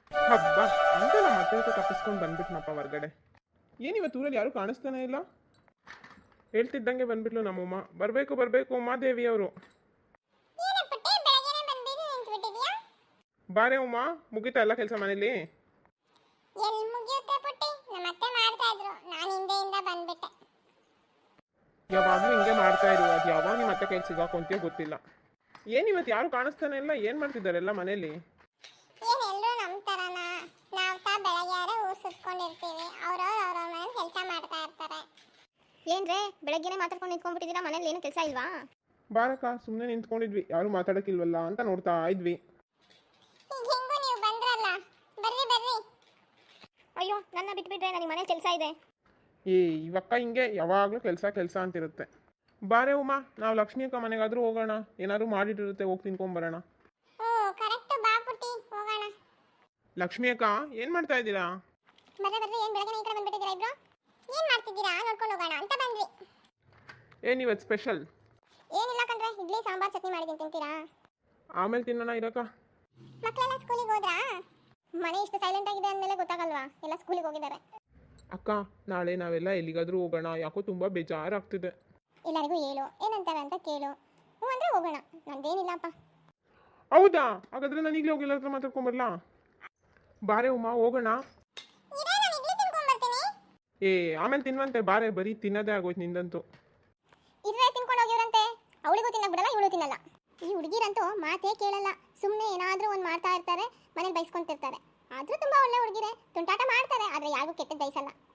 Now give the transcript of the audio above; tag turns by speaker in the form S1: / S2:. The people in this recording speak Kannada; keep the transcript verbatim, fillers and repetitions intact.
S1: ಹಬ್ಬ ಅಂತ ನಮ್ಮ ಮತ್ತೆ ಹತ್ರ ತಪ್ಪಿಸ್ಕೊಂಡು ಬಂದ್ಬಿಟ್ನಪ್ಪ ಹೊರ್ಗಡೆ. ಏನಿವತ್ತು ಊರಲ್ಲಿ ಯಾರೂ ಕಾಣಿಸ್ತಾನೆ ಇಲ್ಲ. ಹೇಳ್ತಿದ್ದಂಗೆ ಬಂದ್ಬಿಟ್ಲು ನಮ್ಮಮ್ಮ. ಬರಬೇಕು ಬರಬೇಕು ಉಮಾದೇವಿ ಅವರು. ಬಾರೆ ಉಮಾ, ಮುಗಿತಾ ಎಲ್ಲ ಕೆಲಸ ಮನೇಲಿ?
S2: ಎಲ್ಲಿ ಮುಗಿಯುತ್ತೆ ಪುಟ್ಟಿ, ನಮ್ಮತ್ತೆ ಮಾಡ್ತಾ ಇದ್ರು, ನಾನು ಹಿಂದೆಯಿಂದ ಬಂದ್ಬಿಟ್ಟೆ.
S1: ಯಾವಾಗಲೂ ಹಿಂಗೆ ಮಾಡ್ತಾ ಇರು, ಅದು ಯಾವಾಗ ನಿಮ್ಮ ಮತ್ತೆ ಕೈ ಸಿಗಾಕೊಂತೀಯೋ ಗೊತ್ತಿಲ್ಲ. ಏನಿವತ್ತು ಯಾರು ಕಾಣಿಸ್ತಾನೆ ಇಲ್ಲ, ಏನು ಮಾಡ್ತಿದ್ದಾರೆ ಎಲ್ಲ ಮನೇಲಿ?
S2: ಏನ್ ಎಲ್ರು ನಮ್ಮ ತರನ? ನಾವು ತಾ ಬೆಳಗ್ಗೆ ಊರು ಸುತ್ಕೊಂಡಿರ್ತೀವಿ, ಅವ್ರವ್ರು ಅವ್ರವ್ರ ಮನೇಲಿ ಕೆಲಸ ಮಾಡ್ತಾ ಇರ್ತಾರೆ.
S3: ಏನ್ರೇ ಬೆಳಗ್ಗೆನೆ ಮಾತಾಡ್ಕೊಂಡು ನಿಂತ್ಕೊಂಡ್ಬಿಟ್ಟಿದ್ದೀರಾ, ಮನೇಲಿ ಏನು ಕೆಲಸ ಇಲ್ವಾ?
S1: ಬಾರಕ್ಕ, ಸುಮ್ಮನೆ ನಿಂತ್ಕೊಂಡಿದ್ವಿ, ಯಾರು ಮಾತಾಡೋಕ್ಕಿಲ್ವಲ್ಲ ಅಂತ ನೋಡ್ತಾ ಇದ್ವಿ.
S2: ಈಗ ಹೆಂಗೂ ನೀವು ಬಂದ್ರಲ್ಲ, ಬರ್ರಿ ಬರ್ರಿ.
S3: ಅಯ್ಯೋ, ನನ್ನ ಬಿಟ್ಬಿಟ್ರೆ ನನಗೆ ಮನೆ ಕೆಲಸ ಇದೆ.
S1: ಏ ಇವಕ್ಕ ಹಿಂಗೆ ಯಾವಾಗಲೂ ಕೆಲಸ ಕೆಲಸ ಅಂತಿರುತ್ತೆ. ಬಾರೆ ಉಮಾ, ನಾವು ಲಕ್ಷ್ಮಿ ಅಕ್ಕ ಮನೆಗಾದ್ರೂ ಹೋಗೋಣ, ಏನಾದ್ರು ಮಾಡಿಟ್ಟಿರುತ್ತೆ, ಹೋಗಿ ತಿನ್ಕೊಂಬರೋಣ.
S2: ಓ ಕರೆಕ್ಟ್, ಬಾ ಪುಟ್ಟಿ ಹೋಗೋಣ.
S1: ಲಕ್ಷ್ಮಿ ಅಕ್ಕ, ಏನು ಮಾಡ್ತಾ ಇದ್ದೀರಾ?
S2: ಬರ್ರಿ ಬರ್ರಿ, ಏನು ಬೆಳಗ್ಗೆ ಈ ಕಡೆ ಬಂದ್ಬಿಟ್ಟಿದ್ದೀರಾ ಇಬ್ರು? ಏನು ಮಾಡ್ತಿದ್ದೀರಾ ನೋಡ್ಕೊಂಡು ಹೋಗೋಣ ಅಂತ ಬಂದ್ವಿ.
S1: ಏನಿವತ್ತು ಸ್ಪೆಷಲ್?
S2: ಏನಿಲ್ಲ ಕಣ್ರೆ, ಇಡ್ಲಿ ಸಾಂಬಾರ್ ಚಟ್ನಿ ಮಾಡಿದ್ದೀನಿ, ತಿಂತೀರಾ?
S1: ಆಮೇಲೆ ತಿನ್ನೋಣ ಇರಕ್ಕ.
S2: ಮಕ್ಕಳೆಲ್ಲ ಸ್ಕೂಲಿಗೆ ಹೋದ್ರಾ? ಮನೆ ಇಷ್ಟು ಸೈಲೆಂಟ್ ಆಗಿದೆ ಅಂದಮೇಲೆ ಗೊತ್ತಾಗಲ್ವಾ, ಎಲ್ಲ ಸ್ಕೂಲಿಗೆ ಹೋಗಿದ್ದಾರೆ.
S1: ಅಕ್ಕ, ನಾಳೆ ನಾವೆಲ್ಲ ಎಲ್ಲಿಗಾದ್ರೂ ಹೋಗೋಣ, ಯಾಕೋ ತುಂಬ ಬೇಜಾರಾಗ್ತಿದೆ.
S2: ಎಲ್ಲರಿಗೂ ಹೇಳು, ಏನಂತಾರೆ ಅಂತ ಕೇಳು. ಹ್ಞೂ ಅಂದರೆ ಹೋಗೋಣ, ನಂದೇನಿಲ್ಲಪ್ಪ.
S1: ಹೌದಾ? ಹಾಗಾದ್ರೆ ನಾನು ಈಗಲೇ ಹೋಗಿ ಎಲ್ಲರ ಹತ್ರ ಮಾತಾಡ್ಕೊಂಬರ್ಲಾ? ಬಾರೆ ಉಮಾ, ಹೋಗೋಣ. ಏ ಆಮೇಲೆ ತಿನ್ನುವಂತೆ, ಬಾರೆ, ಬರೀ ತಿನ್ನೋದೇ ಆಗೋಯ್ತು ನಿಂದಂತೂ.
S2: ಇದ್ರೆ ತಿನ್ಕೊಂಡು ಹೋಗಿವ್ರಂತೆ, ಅವಳಿಗೂ ತಿನ್ನಕ್ ಬಿಡಲ್ಲ, ಇವಳು ತಿನ್ನಲ್ಲ. ಈ ಹುಡುಗಿರಂತೂ ಮಾತೇ ಕೇಳಲ್ಲ, ಸುಮ್ಮನೆ ಏನಾದರೂ ಒಂದು ಮಾಡ್ತಾ ಇರ್ತಾರೆ, ಮನೇಲಿ ಬೈಸ್ಕೊಂತಿರ್ತಾರೆ. ಆದರೂ ತುಂಬ ಒಳ್ಳೆ ಹುಡುಗಿರೆ, ತುಂಟಾಟ ಮಾಡ್ತಾರೆ, ಆದರೆ ಯಾರಿಗೂ ಕೆಟ್ಟದ್ದು ಬಯಸಲ್ಲ.